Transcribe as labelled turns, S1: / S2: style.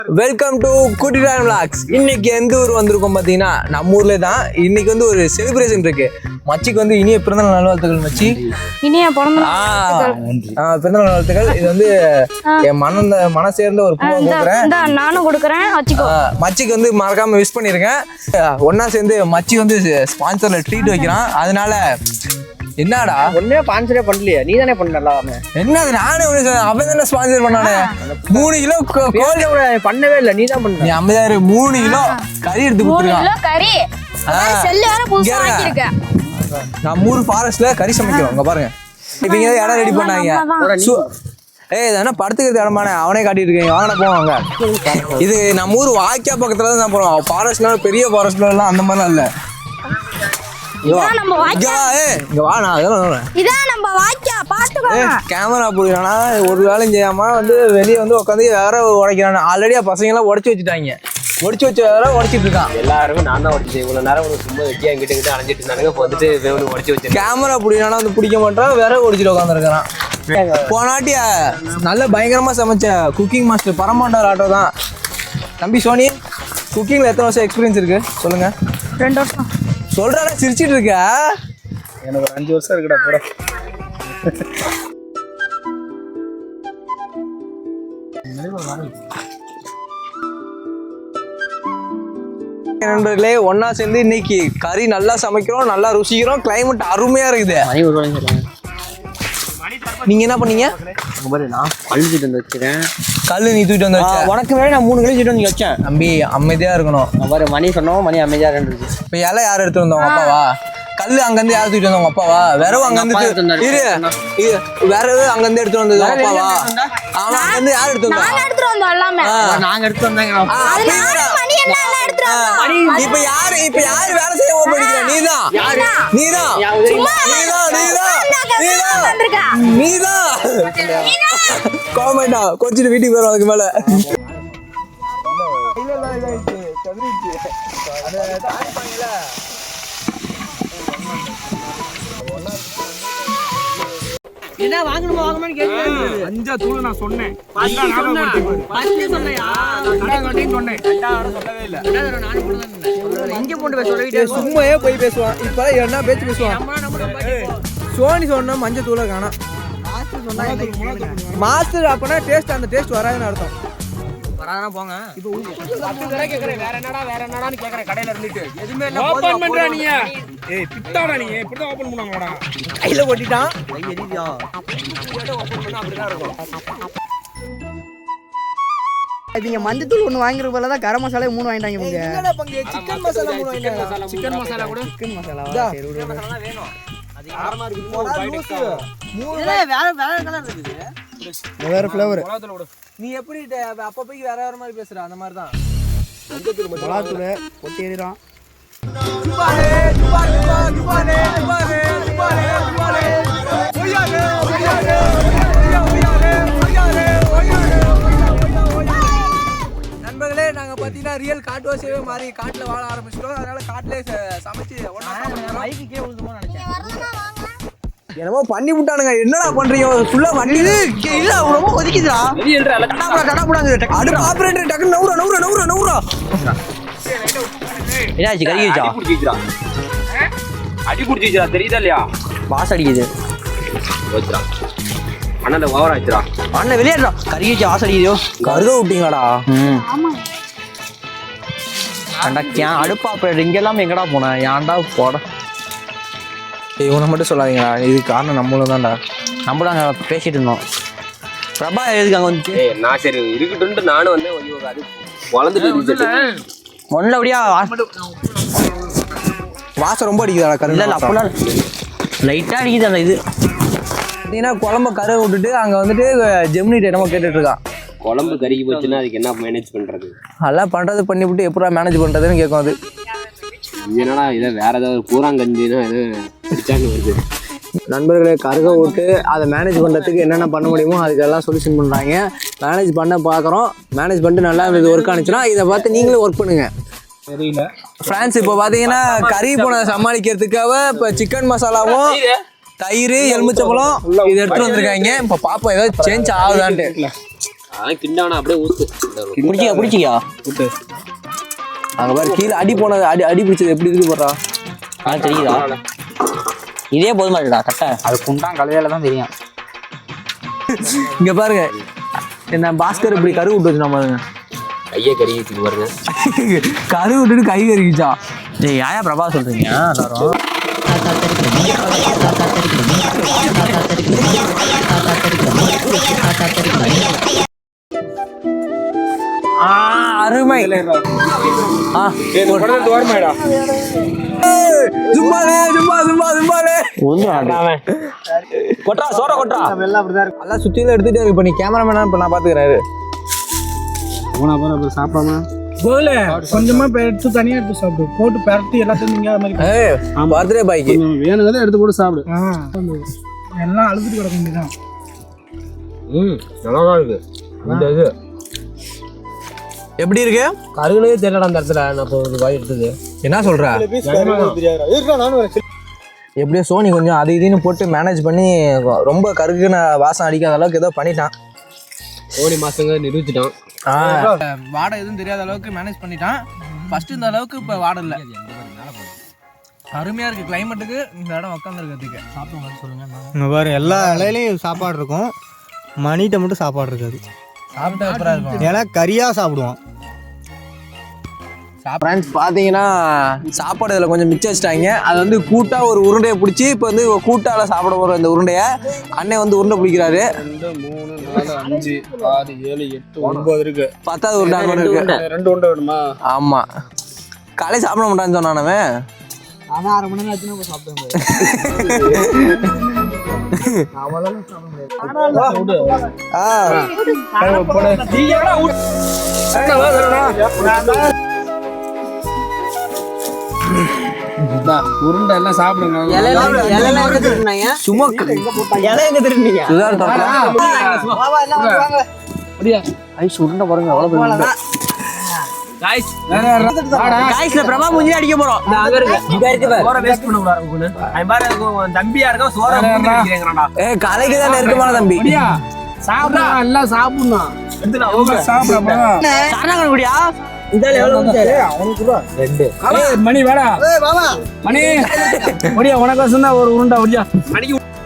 S1: Welcome to குட்டிரான் vlogs. இன்னைக்கு எந்த ஊர் வந்திருக்கோம் பார்த்தீங்கன்னா நம்ம ஊர்ல தான். இன்னைக்கு வந்து ஒரு செலிப்ரேஷன் இருக்கு. மச்சிக்கு வந்து இனிய பிறந்தநாள் நல்வாழ்த்துக்கள் மச்சி.
S2: இனிய பிறந்தநாள்
S1: நல்வாழ்த்துக்கள். இது வந்து என் மன சேர்ந்த ஒரு பூவா கொடுக்குறேன்.
S2: நானும் கொடுக்குறேன்.
S1: மச்சிக்கு வந்து மறக்காம விஷ் பண்ணிருக்கேன். ஒன்னா சேர்ந்து மச்சி வந்து ஸ்பான்சர்ல ட்ரீட் வைக்கிறான். அதனால என்னடா
S3: ஒன்னே ஸ்பான்சரே பண்ணலையா? நீ தானே பண்ணல.
S1: என்னது நானே அவன் தானே ஸ்பான்சர் பண்ணானே. 3 கிலோ கோழி
S3: பண்ணவே இல்லை, நீ தான் பண்ண.
S1: நீ 3 கிலோ கறி எடுத்து கொடுத்துருக்கான். நான் 3 ஃபாரஸ்ட்ல கறி சமைக்கிறோம். இங்க பாருங்க, இப்ப இங்க இடம் ரெடி பண்ணாங்க. ஏன்னா படுத்துக்கிறது இடமான அவனே காட்டிட்டு இருக்கீங்க. வாங்கின போவாங்க. இது நம்ம ஊர் வாய்க்கா பக்கத்துல தான் போறோம். ஃபாரஸ்ட்ல பெரிய ஃபாரஸ்ட்ல எல்லாம் அந்த மாதிரிலாம் இல்ல. கேமரா போடுறானா ஒரு வேலையும் செய்யாம வந்து வெளியே வந்து உட்காந்து வேற உடைக்கிறான். ஆல்ரெடி பசங்க எல்லாம் உடச்சு வச்சுட்டாங்க. உடச்சு வச்சு வேற உடைச்சிட்டு இருக்கான்.
S3: எல்லாருமே நான் தான் உடச்சேன். இவ்வளவு நேரம் சும்மா வெட்டியா கிட்ட அணைஞ்சிட்டு இருந்தானுங்க. இப்போ வந்துட்டு உடச்சு வச்சு
S1: கேமரா பிடிக்கிறானா வந்து பிடிக்க மாட்டான். வேற உடைச்சிட்டு உட்காந்துருக்கான். போனாட்டி நல்ல பயங்கரமா சமைச்ச குக்கிங் மாஸ்டர் பரமாண்டார் ஆட்டோ தான். தம்பி சோனி, குக்கிங்ல எத்தனை வருஷம் எக்ஸ்பீரியன்ஸ் இருக்கு சொல்லுங்க?
S2: 2 வருஷம்.
S1: சொல்றாடா சிரிச்சிட்டு இருக்க.
S3: எனக்கு ஒரு 5 வருஷம் இருக்குடா போட.
S1: நண்பர்களே, ஒன்னா சேர்ந்து இன்னைக்கு கறி நல்லா சமைக்கிறோம், நல்லா ருசிக்கிறோம். கிளைமேட் அருமையா இருக்குது. நீங்க என்ன பண்ணீங்க?
S3: நான் கல்லு தூக்கிட்டு வந்து வச்சுக்கிறேன்.
S1: கல்லு நீ தூக்கிட்டு வந்து வச்ச?
S3: உனக்கு வேற நான் 3 கல்லு தூக்கிட்டு வந்து வச்சேன்.
S1: தம்பி அமைதியா இருக்கணும்.
S3: மணி சொன்னோம், மணி அமைதியா இருந்துச்சு.
S1: இப்ப இலை யார் எடுத்து வந்தோம்? அப்பாவா? கல்லு அங்கிருந்து யார் தூக்கிட்டு வந்தோம்? அப்பாவா? விரவு அங்கிருந்து விரவு அங்கிருந்து எடுத்து வந்தது அப்பாவா? அவன் அங்கிருந்து யார் எடுத்து வந்தா?
S3: நாங்க எடுத்து வந்தாங்க.
S1: இப்ப யாரு வேலை செய்ய போறீங்க? நீதான் கோமெண்டா கொஞ்சம் வீட்டுக்கு போறோம். அதுக்கு மேல
S3: என்ன வாங்கணுமா வாங்கணும்னு கேக்குறேன். 5 தூள் நான் சொன்னேன்.
S1: சும்மாயே போய் பேசுவான். இப்ப என்ன பேச்சு பேசுவான்? சோனி சொன்ன மஞ்சள் தூளை காணா. மாஸ்டர் அப்பனா டேஸ்ட், அந்த டேஸ்ட் வராதுன்னு அர்த்தம்.
S3: வராதனா போங்க. இப்போ கேக்குறேன் வேற என்னடான்னு கேக்குறேன். கடையில இருந்துட்டு எதுமே இல்ல. ஓபன் பண்றா நீ. ஏய் பிட்டாடா நீ. இப்படி தான் ஓபன் பண்ணுவாங்கடா.
S1: கையில கொட்டிட்டான்.
S3: கை எரியுதா? ஓபன் பண்ணா அப்படி தான் இருக்கும்.
S4: நீங்க மஞ்சத்தூள் 1 வாங்குற போல தான் கரம் மசாலா 3 வாங்கிட்டாங்க. இவங்க
S1: என்னடா பங்கு? சிக்கன் மசாலா 3 வாங்கிட்டாங்க.
S3: சிக்கன் மசாலா கூட
S4: சிக்கன் மசாலாவா? சரி விடு.
S3: வேணும். அது யாரமா இருக்கு?
S4: 3 வேற கலர் இருக்குது. வேற ஃப்ளேவர்.
S1: நீ எப்படி அப்ப போய் வேற மாதிரி பேசுற? அந்த மாதிரி தான்
S4: மொளாத்தூள் கொட்டி எறிறான். நண்பர்களே, நாங்க பாத்தீங்கன்னா ரியல் காட்டுவாசியவே மாறி காட்டுல வாழ ஆரம்பிச்சிட்டோம். அதனால காட்டுல சமைச்சு என்னமோ பண்ணி விட்டானுங்க. என்னடா பண்றீங்க? ஃபுல்லா வண்டி இல்ல ரொம்ப ஒதுக்கிதுடா. அடுத்த ஆபரேட்டர் டக்கு நவுறா.
S3: என்னாச்சு? கறிச்சா அடி புடிச்சிச்சா? தெரியுதா இல்லையா? பாஸ் அடிக்குது. ஓச்சுடா அண்ணா ஓவர் ஆச்சுடா. அண்ணா வெளியேறா. கறிச்சா வாசம் அடிக்குதோ.
S1: கருக விட்டீங்களாடா?
S3: அண்டா அடுப்பு ஆபரேட்டர் இங்க எல்லாம் எங்கடா போன? ஏன்டா போட?
S1: இவனை மட்டும் சொல்லாதீங்களா. இது காரணம் நம்மளும் தான்டா.
S3: நம்மளும் அங்கே பேசிட்டு இருந்தோம். பிரபா எதுக்கு அங்கே வந்துச்சு? நான் சரி இருக்கட்டும் நானும் வந்து அது வளர்ந்துட்டு ஒன்றில் அப்படியா
S1: வாசம் ரொம்ப அடிக்குதாடா? கரு
S3: இல்லை அப்பெல்லாம் லைட்டாக அடிக்குது. அந்த இது
S1: பார்த்தீங்கன்னா குழம்பு கரை விட்டுட்டு அங்கே வந்துட்டு ஜெமினிட்ட என்னமோ கேட்டுட்டு இருக்கான்.
S3: குழம்பு கறிக்கு போச்சுன்னா அதுக்கு என்ன மேனேஜ் பண்ணுறது?
S1: அதெல்லாம் பண்ணுறது பண்ணிவிட்டு எப்படா மேனேஜ் பண்ணுறதுன்னு கேட்கும். அது
S3: என்னடா இதை வேற ஏதாவது பூராங்கஞ்சின்னா எது பிடிச்சாங்க வருது.
S1: நண்பர்களை கருக விட்டு அதை மேனேஜ் பண்ணுறதுக்கு என்னென்ன பண்ண முடியுமோ அதுக்கெல்லாம் சொல்யூஷன் பண்ணுறாங்க. மேனேஜ் பண்ண பார்க்குறோம். மேனேஜ் பண்ணிட்டு நல்லா இது ஒர்க் ஆனிச்சுன்னா இதை பார்த்து நீங்களும் ஒர்க் பண்ணுங்க.
S3: தெரியல
S1: ஃப்ரான்ஸ் இப்போ பார்த்தீங்கன்னா கறி போன சமாளிக்கிறதுக்காக இப்போ சிக்கன் மசாலாவும் தயிர் எலுமிச்சம்பழம் இது எடுத்துட்டு வந்திருக்காங்க. இப்போ பாப்பா ஏதாவது சேஞ்ச் ஆகுதான்ட்டு.
S3: அதான் கிண்டாவனா அப்படியே ஊத்து.
S4: பிடிச்சிக்கா
S1: அங்க பாரு கீழே அடி போனது அடி பிடிச்சது எப்படி இருக்கு போடுறா.
S4: தெரியுதா? இதே போதுமா இருக்குடா கட்டை.
S3: அது குண்டான் கலையால தான் தெரியும்.
S1: இங்க பாருங்க என்ன பாஸ்கர் இப்படி கரு விட்டு வச்சு பாருங்க.
S3: கையை கருகிட்டு பாருங்க.
S1: கரு விட்டுட்டு கை கருகிச்சா.
S4: டேய் யாயா பிரபா சொல்றீங்க எல்லாரும்?
S1: அருமை.
S3: ஓரமாடா.
S1: சும்மாலே சும்மாலே
S4: கொட்றா சோற கொட்றா.
S1: எல்லாம் சுத்தியில எடுத்துட்டே இருக்கு. இப்ப நீ கேமராமேனா இப்ப நான் பாத்துக்கிறேன்.
S3: சாப்பிடாம
S5: கொஞ்சமா எடுத்து தனியா எடுத்து சாப்பிடு. போட்டு பரட்டி எல்லாத்தையும் நீங்க அது மாதிரி
S1: பர்த்டே பாய்க்கு
S3: வேணுங்கிறத எடுத்து போட்டு சாப்பிடு.
S5: எல்லாம் அழுதுட்டு கிடக்க வேண்டியதான்.
S3: நல்லா இருக்கு இந்த இது.
S1: எப்படி இருக்கு?
S3: கருகுனே தெரியல அந்த இடத்துல. நான் ஒரு வாய் எடுத்தது.
S1: என்ன சொல்ற? எப்படியோ சோனி கொஞ்சம் அது இதுன்னு போட்டு மேனேஜ் பண்ணி ரொம்ப கருகுன வாசம் அடிக்காத அளவுக்கு ஏதோ பண்ணிட்டான்.
S3: கோடி மாசங்க நிரூபிச்சிட்டான்.
S1: வாடை எதுவும் தெரியாத அளவுக்கு மேனேஜ் பண்ணிட்டான். ஃபர்ஸ்ட் இந்த அளவுக்கு இப்போ வாடை இல்லை. அருமையா இருக்கு கிளைமேட்டுக்கு இந்த இடம் உட்காந்துருக்கிறதுக்கு. சாப்பிடுங்க சொல்லுங்க.
S6: இங்கே பாரு எல்லா இலையிலையும் சாப்பாடு இருக்கும், மணிகிட்ட மட்டும் சாப்பாடு இருக்காது.
S1: சாப்பிட்டா அப்புறம் இருக்கும்.
S6: ஏன்னா கறியாக சாப்பிடுவோம்.
S1: ஃப்ரெண்ட்ஸ் பார்த்தீங்கன்னா சாப்பாடு இதில் கொஞ்சம் மிச்சம் வச்சிட்டாங்க. அது வந்து கூட்டா ஒரு உருண்டையை பிடிச்சி இப்போ வந்து கூட்டால சாப்பிட போகிற இந்த உருண்டையை அண்ணன் வந்து உருண்டை பிடிக்கிறாரு.
S3: 2 3 4 5 6 7 8 9 இருக்கு.
S1: 10வது உருண்டை அங்கே ஒன்று இருக்கு.
S3: 2 உருண்டை வேணுமா?
S1: ஆமா காலை சாப்பிட மாட்டான்னு சொன்னானவன்.
S5: அதான் 1/2 மணி நேரம் ஆச்சுன்னா இப்போ சாப்பிட்டேன்.
S3: உருண்டை எல்லாம் சாப்பிடுங்க.
S1: சும்மா
S6: இலை எங்கே திருநீங்க?
S1: ஐஸ் உருண்டை பாருங்க எவ்வளோ.
S4: காய்ஸ்ல பிரபா மூஞ்சி அடிக்க போறோம்.
S1: கலைக்கு தான் நெருக்கமான தம்பி.
S3: சாப்பிடா எல்லாம் சாப்பிடணும்.
S4: குடியா
S3: மணி வேடா மணி முடியா உனக்கு ஒரு உருண்டா முடியா மணிக்கு